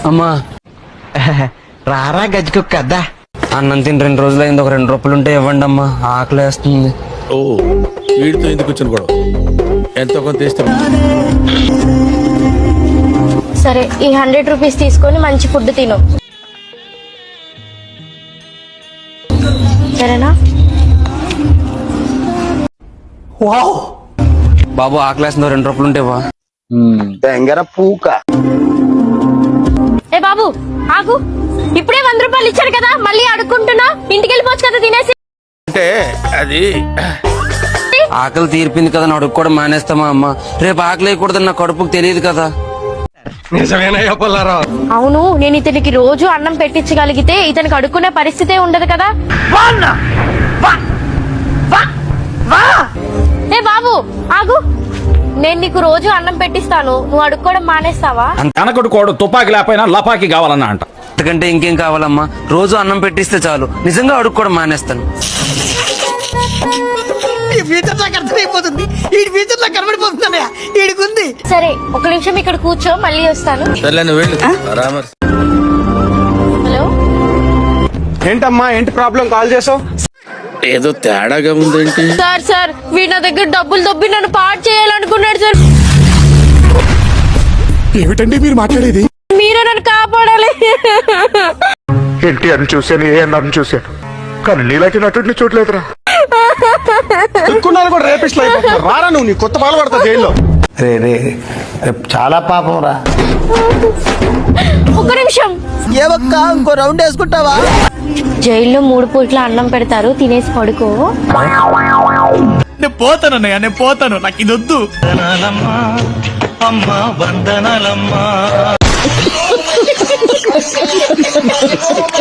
అమ్మా రారా గజ్జికొక్క అద్దా. అన్నం తిని 2 రోజులైంది, ఒక 2 రూపాయలు ఉంటే ఇవ్వండి అమ్మా, ఆకలేస్తుంది. ఓ వీడితో ఎందుకు వచ్చిన గొడవ? ఎంతో కొంత ఇస్తే సరే, ఈ 100 రూపీస్ తీసుకొని మంచి ఫుడ్ తిను, సరేనా? బాబు ఆకలేస్తుంది, 2 రూపాయలు ఉంటే ఇవ్వ. తెంగర పూక. ఏ బాబు ఆగు, ఇప్పుడే 100 రూపాయలు ఇచ్చారు కదా, మళ్ళీ అడుక్కుంటున్నా. ఇంటికి వెళ్ళిపోవచ్చు కదా తినేసి. అంటే అది ఆకలి తీర్పింది కదా, అడుక్కోవడం మానేస్తామా అమ్మా? రేపు ఆకలి వేయకూడదని నా కడుపుకు తెలియదు కదా. నిజమేనా పుల్లారావు? అవును, నేను ఇతనికి రోజు అన్నం పెట్టించగలిగితే ఇతనికి అడుక్కునే పరిస్థితే ఉండదు కదా. ఏ బాబు ఆగు, నేను నీకు రోజు అన్నం పెట్టిస్తాను, నువ్వు అడుక్కోవడం మానేస్తావా? అనకడు కోడు తుపాకి లేకపోయినా లపాకి కావాలన్నా అంట. అంతకంటే ఇంకేం కావాలమ్మా? రోజు అన్నం పెట్టిస్తే చాలు, నిజంగా అడుక్కోవడం మానేస్తాను. ఈ ఫ్యూచర్ నాకు అర్థమైపోతుంది, ఈ ఫ్యూచర్ నాకు కనబడిపోతుంది. ఈడికుంది. సరే, ఒక నిమిషం ఇక్కడ కూర్చో, మళ్ళీ వస్తాను. సర్లే నువ్వు వెళ్ళు. పరామర్శ. హలో, ఏంటమ్మా, ఏంటి ప్రాబ్లం? కాల్ చేసావు? ఏదో తేడాగా ఉందేంటి? సార్ వీడి నా దగ్గర డబ్బులు దొబ్బి నన్ను పాడు చేయాలనుకున్నాడు సార్. ఏమిటండి మీరు మాట్లాడేది? మీరే నన్ను కాపాడాలి. ఎన్టీఆర్ చూశాను, ఏఎన్ఆర్ చూశాను, కానీ నీలాంటి నటుడిని చూడలేదురా. ఎక్కున్నాను కూడా రేపిస్ట్లు అయిపోతున్నారు. రారా నువ్వు, నీ కొత్త పాలు పడతా జైల్లో. రే రే చాలా పాపం రా. ఒక్క నిమిషం. ఏవక్క ఇంకో రౌండ్ వేసుకుంటావా? జైల్లో 3 పూట్ల అన్నం పెడతారు, తినేసి పడుకో. నేను పోతానన్నయ్య, నేను పోతాను, నాకు ఇది వద్దు. అమ్మా వందనాలమ్మా.